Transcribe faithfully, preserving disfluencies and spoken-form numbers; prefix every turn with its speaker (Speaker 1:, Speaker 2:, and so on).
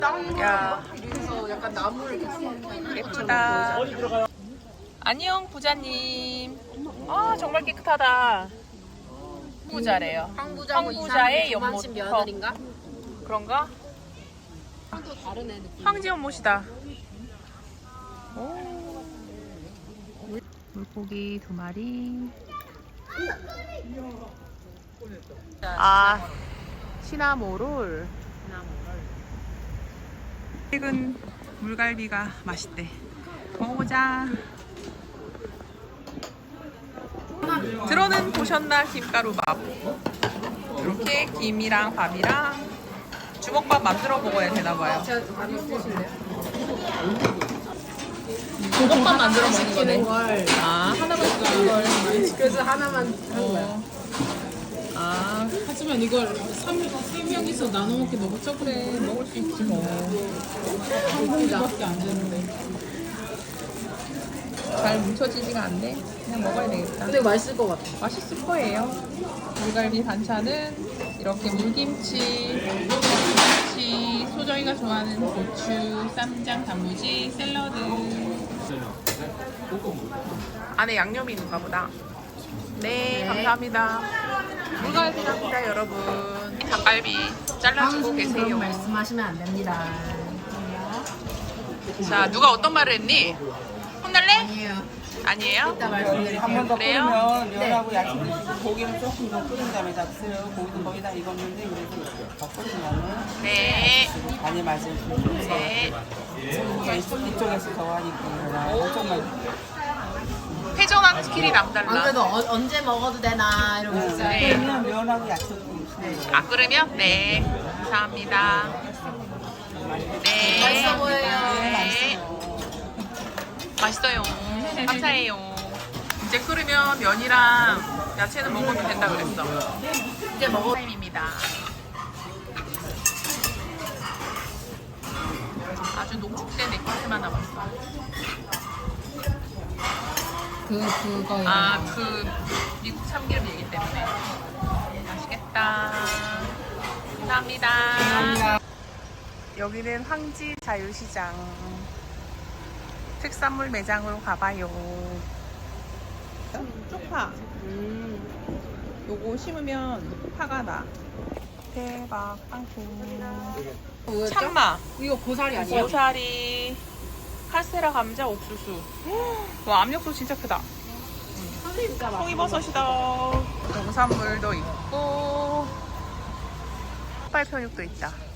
Speaker 1: 야,
Speaker 2: 그래서 약간 나무를 이렇게
Speaker 1: 예쁘다. 안녕 부자님. 아 정말 깨끗하다. 부자래요.
Speaker 2: 황부자고
Speaker 1: 황부자의
Speaker 2: 이상한
Speaker 1: 연못.
Speaker 2: 며느리인가?
Speaker 1: 그런가?
Speaker 2: 또 다른 애 느낌.
Speaker 1: 황지연 못이다. 오. 물고기 두 마리. 아 시나모롤. 최근 물갈비가 맛있대. 먹어보자. 들어는 보셨나 김가루밥. 이렇게 김이랑 밥이랑 주먹밥 만들어 먹어야 되나봐요.
Speaker 2: 제가 많이 드실래요?
Speaker 1: 주먹밥 만들어 먹는 거네.
Speaker 2: 걸.
Speaker 1: 아 하나만 시키는 걸.
Speaker 2: 그래서 하나만 한 거야.
Speaker 1: 어. 아
Speaker 3: 하지만 이걸 삼, 세 명이서 나눠 먹기 너무 적은데
Speaker 1: 먹을 수 있지 뭐.
Speaker 3: 한 공기밖에 안 되는데.
Speaker 1: 잘 뭉쳐지지가 않네. 그냥 먹어야 되겠다.
Speaker 2: 근데 맛있을 것 같아.
Speaker 1: 맛있을 거예요. 물갈비 반찬은 이렇게 물김치, 김치, 소정이가 좋아하는 고추, 쌈장, 단무지, 샐러드. 안에 양념이 있는가 보다. 네,
Speaker 2: 네.
Speaker 1: 감사합니다. 물갈비랍니다, 여러분. 닭갈비 잘라주고 계세요.
Speaker 2: 그런 말씀하시면 안 됩니다.
Speaker 1: 자, 누가 어떤 말을 했니? 혼날래?
Speaker 2: 아니에요.
Speaker 1: 아니에요?
Speaker 2: 이따 말씀드릴게요.
Speaker 4: 한 번 더
Speaker 1: 그래요?
Speaker 4: 끓이면 면하고 야채 드시고 고기는 조금 더 끓인 다음에 잡수요. 고기는 거의 다 익었는데 그래도 더 끓이면은
Speaker 1: 네.
Speaker 4: 많이 맛을 주세요.
Speaker 1: 네.
Speaker 4: 이쪽에서 더 하니까 엄청만
Speaker 1: 회전하는 스킬이
Speaker 2: 안
Speaker 1: 남달라.
Speaker 2: 그래도 어, 언제 먹어도 되나 이러고 있어요.
Speaker 1: 네.
Speaker 4: 그러면 면하고 야채 좀 드시면
Speaker 1: 아, 끓으면? 네. 감사합니다. 네.
Speaker 2: 맛있어 보여요.
Speaker 1: 네. 맛있어요. 감사해요. 이제 끓으면 면이랑 야채는 먹어도 된다 그랬어. 이제 먹을 타임입니다. 아주 농축된 에피스만 남았어.
Speaker 3: 그, 그거.
Speaker 1: 아, 그 미국 참기름 얘기 때문에. 맛있겠다. 감사합니다. 여기는 황지 자유시장. 특산물 매장으로 가봐요. 쪽파. 음. 요거 심으면 파가 나. 대박 빵꾸. 참마.
Speaker 2: 이거 고사리 아니에요?
Speaker 1: 고사리. 카스테라 감자 옥수수. 와 압력도 진짜 크다.
Speaker 2: 진짜 맛있어.
Speaker 1: 송이버섯이다. 농산물도 있고. 흑발 편육도 있다.